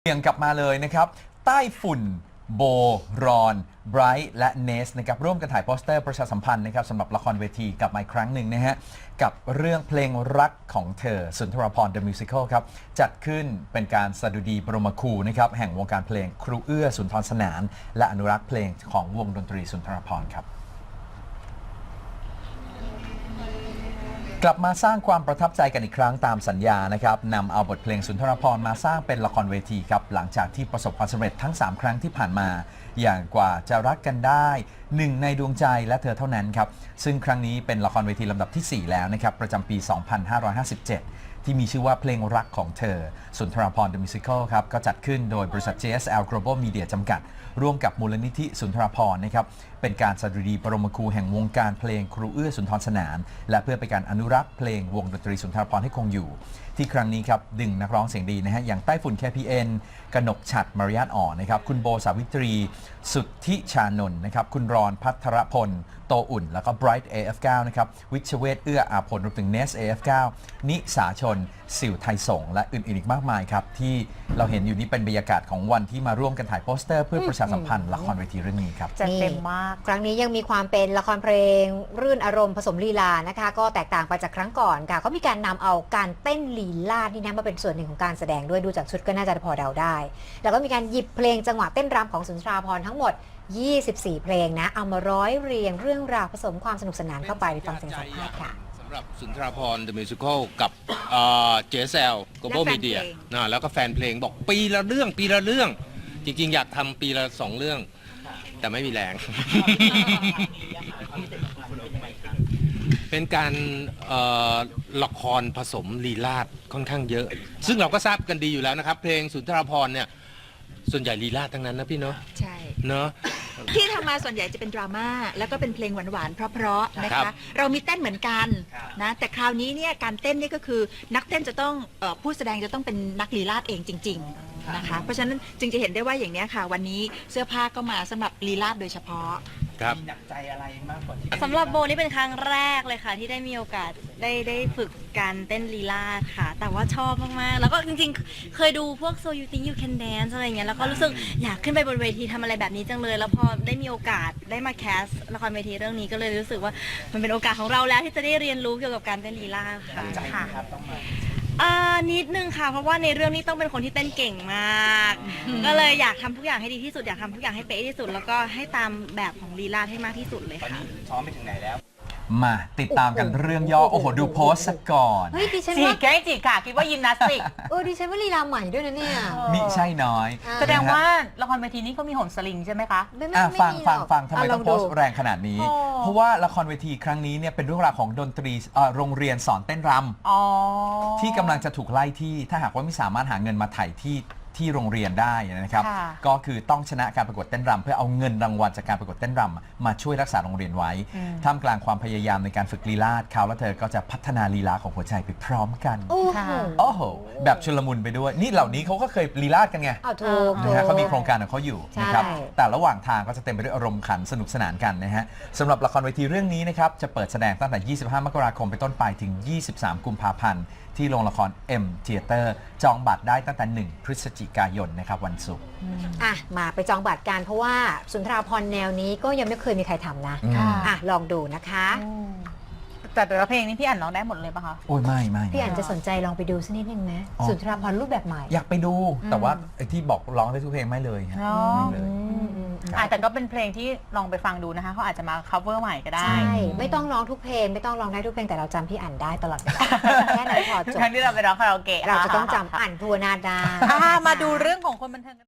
เบี่ยงกลับมาเลยนะครับใต้ฝุ่นโบรอนไบรท์และเนสนะครับร่วมกันถ่ายโปสเตอร์ประชาสัมพันธ์นะครับสำหรับละครเวทีกลับมาอีกครั้งหนึ่งนะฮะกับเรื่องเพลงรักของเธอสุนทรภรณ์ The Musical ครับจัดขึ้นเป็นการสดุดีบรมครูนะครับแห่งวงการเพลงครูเอื้อสุนทรสนานและอนุรักษ์เพลงของวงดนตรีสุนทรภรณ์ครับกลับมาสร้างความประทับใจกันอีกครั้งตามสัญญานะครับนำเอาบทเพลงสุนทรภรณ์มาสร้างเป็นละครเวทีครับหลังจากที่ประสบความสำเร็จทั้ง3ครั้งที่ผ่านมาอย่างกว่าจะรักกันได้หนึ่งในดวงใจและเธอเท่านั้นครับซึ่งครั้งนี้เป็นละครเวทีลำดับที่ 4 แล้วนะครับประจำปี 2557 ที่มีชื่อว่าเพลงรักของเธอสุนทรภรณ์ The Musical ครับก็จัดขึ้นโดยบริษัท JSL Global Media จำกัดร่วมกับมูลนิธิสุนทรภรณ์นะครับเป็นการสดุดีบรมครูแห่งวงการเพลงครูเอื้อสุนทรสนานและเพื่อเป็นการอนุรักษ์เพลงวงดนตรีสุนทรภรณ์ให้คงอยู่ที่ครั้งนี้ครับดึงนักร้องเสียงดีนะฮะอย่างใต้ฝุ่น KPN กนกฉัตรมารยาทอ่อนนะครับคุณโบสาวิตรีสุทธิชานนท์นะครับคุณรอนพัทรพลโตอุ่นแล้วก็ Bright AF9 นะครับวิชเวทเอื้ออาพลรวมถึง Nest AF9 นิสาชนสิวไทยสงและอื่นๆอีกมากมายครับที่เราเห็นอยู่นี่เป็นบรรยากาศของวันที่มาร่วมกันถ่ายโปสเตอร์เพื่อประชาสัมพันธ์ละครเวทีเรื่องนี้ครับจัดเต็มมากครั้งนี้ยังมีความเป็นละครเพลงรื่นอารมณ์ผสมลีลานะคะก็แตกต่างไปจากครั้งก่อนค่ะเขามีการนำเอาการเต้นลีลาดนี่นะมาเป็นส่วนหนึ่งของการแสดงด้วยดูจากชุดก็น่าจะพอเดาได้แล้วก็มีการหยิบเพลงจังหวะเต้นรำของสุนทราภรณ์ทั้งหมด24 เพลงนะเอามาร้อยเรียงเรื่องราวผสมความสนุกสนานเข้าไปฟังเสียงสัมภาษณ์ค่ะสำหรับสุนทรภรณ์ The Musical กับ JSL Global Media นะแล้วก็แฟนเพลงบอกปีละเรื่องปีละเรื่องจริงๆอยากทำปีละ2 เรื่องแต่ไม่มีแรง เป็นการละครผสมลีลาศค่อนข้างเยอะซึ่งเราก็ทราบกันดีอยู่แล้วนะครับเพลงสุนทรภรณ์เนี่ยส่วนใหญ่ลีลาศทั้งนั้นนะพี่เนาะใช่เนาะที่ทำมาส่วนใหญ่จะเป็นดราม่าแล้วก็เป็นเพลงหวานๆเพราะๆนะคะเรามีเต้นเหมือนกันนะแต่คราวนี้เนี่ยการเต้นนี่ก็คือนักเต้นจะต้องผู้แสดงจะต้องเป็นนักลีลาศเองจริงๆนะคะเพราะฉะนั้นจึงจะเห็นได้ว่าอย่างนี้ค่ะวันนี้เสื้อผ้าก็มาสำหรับลีลาศโดยเฉพาะมีหนักใจอะไรมากกว่าที่สำหรับโบนี่เป็นครั้งแรกเลยค่ะที่ได้มีโอกาสได้ฝึกการเต้นลีลาศค่ะแต่ว่าชอบมากๆแล้วก็จริงๆเคยดูพวก So You Think You Can Dance อะไรอย่างเงี้ยแล้วก็รู้สึกอยากขึ้นไปบนเวทีทำอะไรแบบนี้จังเลยแล้วพอได้มีโอกาสได้มาแคสละครเวทีเรื่องนี้ก็เลยรู้สึกว่ามันเป็นโอกาสของเราแล้วที่จะได้เรียนรู้เกี่ยวกับการเต้นลีลาศค่ะนิดนึงค่ะเพราะว่าในเรื่องนี้ต้องเป็นคนที่เต้นเก่งมากก็เลยอยากทำทุกอย่างให้ดีที่สุดอยากทำทุกอย่างให้เป๊ะที่สุดแล้วก็ให้ตามแบบของลีลาศให้มากที่สุดเลยค่ะซ้อมไปถึงไหนแล้วมาติดตามกันเรื่องย่อโอ้โหดูโพสต์ก่อนเฮ้ยดิฉันจีว่าแก้จีค่ะคิดว่ายิมนาสติกดิฉันว่าลีลาใหม่ด้วยนะเนี่ยมิใช่น้อยแสดงว่าละครเวทีนี้เขามีโหนสลิงใช่ไหมคะฟังทำไมต้องโพสต์แรงขนาดนี้เพราะว่าละครเวทีครั้งนี้เนี่ยเป็นเรื่องราวของดนตรีโรงเรียนสอนเต้นรำที่กำลังจะถูกไล่ที่ถ้าหากว่าไม่สามารถหาเงินมาไถ่ที่โรงเรียนได้นะครับก็คือต้องชนะการประกวดเต้นรำเพื่อเอาเงินรางวัลจากการประกวดเต้นรำมาช่วยรักษาโรงเรียนไว้ท่ามกลางความพยายามในการฝึกลีลาศเขาและเธอก็จะพัฒนาลีลาของหัวใจไปพร้อมกันโอ้โหแบบชุลมุนไปด้วยนี่เหล่านี้เขาก็เคยลีลาศกันไงนะฮะเขามีโครงการของเขาอยู่นะครับแต่ระหว่างทางก็จะเต็มไปด้วยอารมณ์ขันสนุกสนานกันนะฮะสำหรับละครเวทีเรื่องนี้นะครับจะเปิดแสดงตั้งแต่25 มกราคมไปต้นไปถึง23 กุมภาพันธ์ที่โรงละคร M Theater จองบัตรได้ตั้งแต่1 พฤศจิกายนนะครับวันศุกร์มาไปจองบัตรกันเพราะว่าสุนทราภรณ์แนวนี้ก็ยังไม่เคยมีใครทำนะลองดูนะคะแต่ละเพลงนี้พี่อ่านร้องได้หมดเลยป่ะคะโอ้ยไม่พี่อ่านจะสนใจลองไปดูสักนิดนึงไหมสุนทราภรณ์รูปแบบใหม่อยากไปดูแต่ว่าไอ้ที่บอกร้องได้ทุกเพลงไม่เลยฮะไม่เลยแต่ก็เป็นเพลงที่ลองไปฟังดูนะคะเขาอาจจะมา cover ใหม่ก็ได้ใช่ไม่ต้องร้องทุกเพลงไม่ต้องร้องได้ทุกเพลงแต่เราจำพี่อ่านได้ตลอดแค่นั้นพอจบครั้งที่เราไปร้องคาราโอเกะเราจะต้องจำอ่านทัวนาดามาดูเรื่องของคนบันเทิง